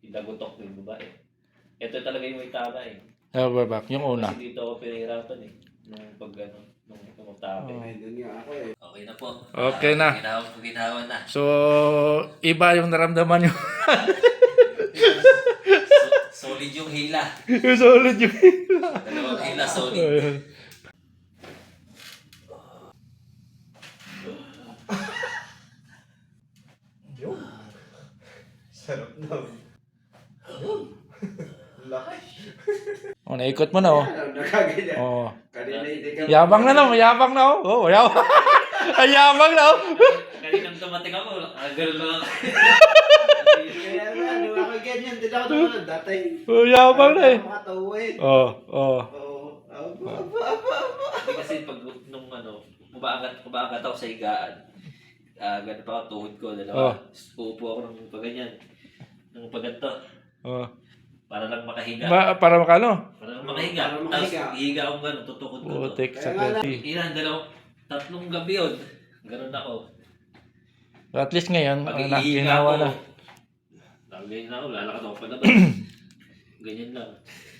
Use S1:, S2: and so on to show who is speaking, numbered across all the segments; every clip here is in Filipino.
S1: Pinagutok ko yung babae. Ito talaga yung may tama eh.
S2: Overback, yung una.
S1: Kasi dito ako pinahirapan eh. Nung pag ano, nung tumatabi. Okay na po.
S2: Okay na.
S1: Ginawa na.
S2: So, iba yung naramdaman nyo.
S1: Solid yung hila.
S2: Solid yung
S1: Dalawang hila, solid.
S2: Ayun.
S3: Sarap na. Laki.
S2: Oh, naikot mo na oh.
S3: Nakaganyan.
S2: Oh.
S3: Kanina hindi ka...
S2: Yabang na no, yabang na oh. Oh, yabang. Ay, yabang na oh.
S1: Kaninang dumating ako, ganun lang ako.
S3: Kaya nga, nung ako ganyan, din ako naman dati.
S2: Oh, yabang na eh.
S3: Makatawin.
S2: Oh, oh.
S1: Hindi kasi pag nung ano, kumaangat ako sa higaan. Ganun pa ako, tuhod ko, dalawa. Uupo ako ng paganyan. Ng paganto.
S2: Oh.
S1: Para lang makahiga.
S2: Para makano?
S1: Para lang makahiga.
S3: Para
S1: Tapos
S3: makahiga.
S1: hihiga akong gano'n, tutukod ko.
S2: Putik sa
S3: Kaya nga
S2: kwenti.
S1: Ilan, tatlong gabi yun. Ganun ako.
S2: At least ngayon,
S1: Pag
S2: anak,
S1: ihiga
S2: ginawa
S1: ako,
S2: na.
S1: ganyan na ako, lalakad ako palabas. Ganyan lang.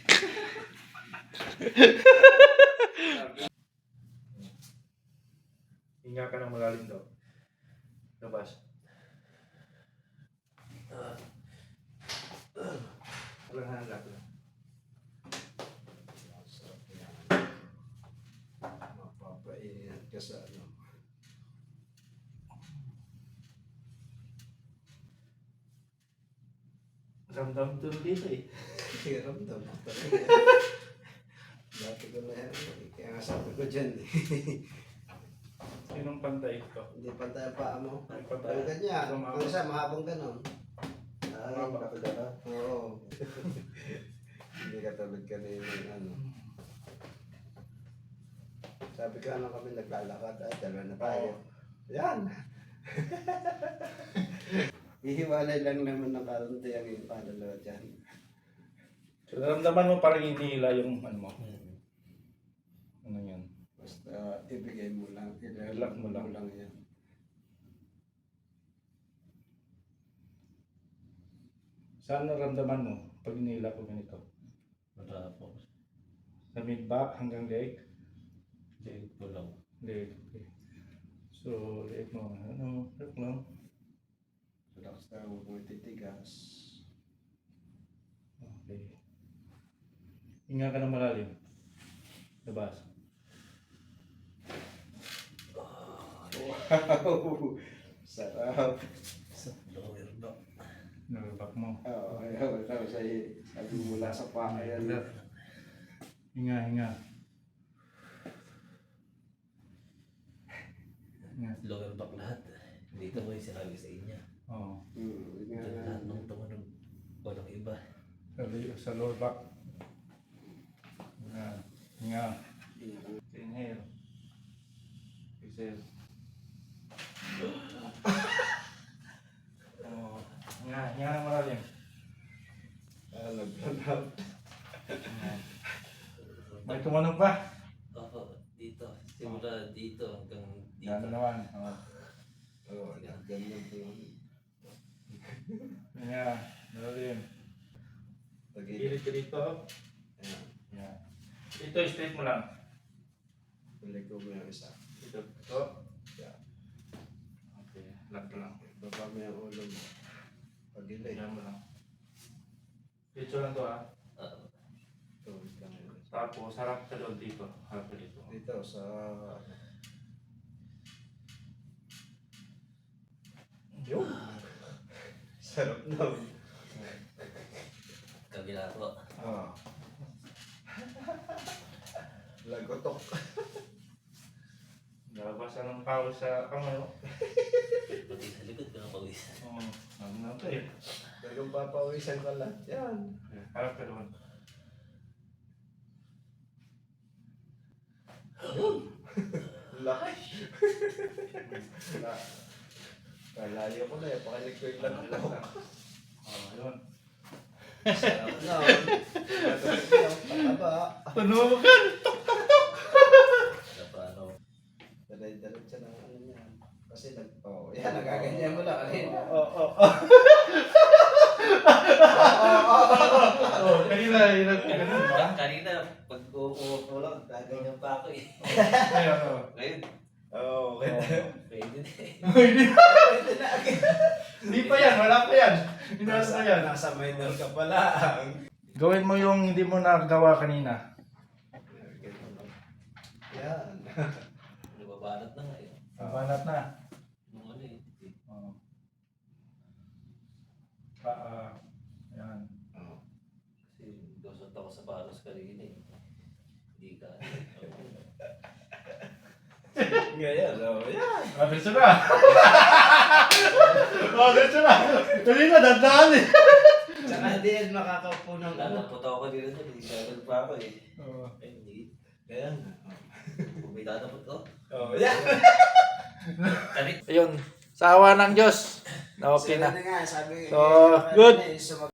S2: Hinga ka ng malalim daw. Labas. Walang hangat lang.
S3: Mapapaingat ka sa ano.
S2: Ramdam to dito eh.
S3: Ramdam ako talaga. Dati ko na yan. Kaya nga sabi ko dyan eh.
S2: Sinong pantay ito?
S3: Hindi pantay ang paa mo.
S2: Ay, pantay.
S3: Pag ganyan.
S2: Tumama.
S3: Kung isa, mahabang ganon. Ay,
S2: Mahaba.
S3: Oo. Hindi katulad kanina yung ano. Sabi ko ano kami naglalakad. Ay, dalawa na tayo. Yan. Ihiwalay lang naman ng karunti ang yung padalawa dyan.
S2: So, naramdaman mo parang hinihila yung ano mo. Ano yan?
S3: Basta ibigay mo lang.
S2: Ilak mo lang.
S3: yan.
S2: Saan naramdaman mo pag hinihila ko ganito?
S1: Wala po.
S2: Sa mid-back hanggang leg?
S1: Leg ko lang.
S2: Leg. Okay. So, leg mo. Ano? Leg lang.
S3: Relax na, huwag mo titigas.
S2: Okay. Hinga ka ng malalim. Labas.
S3: Wow! Sarap!
S1: Lower back.
S2: Nalabak mo.
S3: Oo, ayaw. Tapos ay sabi mula sa paa yan.
S2: Hinga, hinga. Hinga.
S1: Lower back lahat. Dito mo yung sinabi sa inyo.
S2: Oo.
S1: Ito lahat ng tumunog. Walang iba.
S2: Sa lower back. Hinga. Hinga. Inhale. Exhale. Oh. Hinga. Hinga ng malalim.
S3: Naglalap.
S2: May tumanog pa?
S1: Oo, dito. Simula dito hanggang dito.
S2: Yan naman. Oh.
S3: Oo, ganyan po yun.
S2: Hinga. Malalim.
S3: Pag-ibig.
S2: Kilit ka dito.
S3: Ayan.
S2: Yan. Ito, straight mo lang.
S3: Balik ko mo yung isa.
S2: Ito. Ito. Yan. Okay. Lock lang.
S3: Baba mo yung ulo mo. Pag-ibig.
S2: Yan mo lang. Dito lang to ah.
S3: Tuwid lang yun.
S2: Tapos harap ka doon dito. Harap ka dito.
S3: Dito sa...
S2: Yun.
S3: Sarap na.
S1: Kabila po.
S3: Oo. Lagotok.
S2: Nalabasan ng pawis sa kamay mo.
S1: Pati sa likod ko ng pawis.
S2: Oo. Ano na ito eh.
S3: Talagang papawisan ka lahat. Yan.
S2: Harap ka doon.
S3: Laki. Kalayo ko na eh. Pakinig ko yung lagotok.
S2: Oh, yun.
S3: Sarap na. Pataba.
S2: Tunugan!
S1: Paano?
S3: Dalay-dalit siya ng ano yan. Kasi yan, nagaganyan mo lang.
S2: Oo. Kanina, hirap ka ganun ba?
S1: Kanina, pag uupo ko lang, gaganyan pa ako eh.
S2: Ayun, oh.
S1: Ngayon,
S3: Oo, okay.
S1: pwede na eh.
S2: Hindi pa yan, wala pa yan. Inasa yan.
S3: Nasa minor ka pala.
S2: Gawin mo yung hindi mo nagawa kanina.
S3: Yan.
S1: Nababanat na ngayon.
S2: Banat na.
S1: Nung ano eh.
S2: Oh. Yan.
S1: Kasi dosot ako sa paros kanina eh. Hindi ka.
S3: Ngayon, yan.
S2: Diretso na. Diretso na. Kanina, dandaan eh.
S3: Tsaka hindi yan makakaupo ng ano.
S1: Lalapot ako dito na, hindi gagal pa ako eh.
S2: Oo.
S1: Ay, hindi.
S3: Kaya nga.
S1: Bumita na po to.
S3: Oh, yan.
S1: Kani.
S2: Ayun, sa awa ng Diyos. Na okay
S3: Sila
S2: na.
S3: nga, sabi
S2: So, good.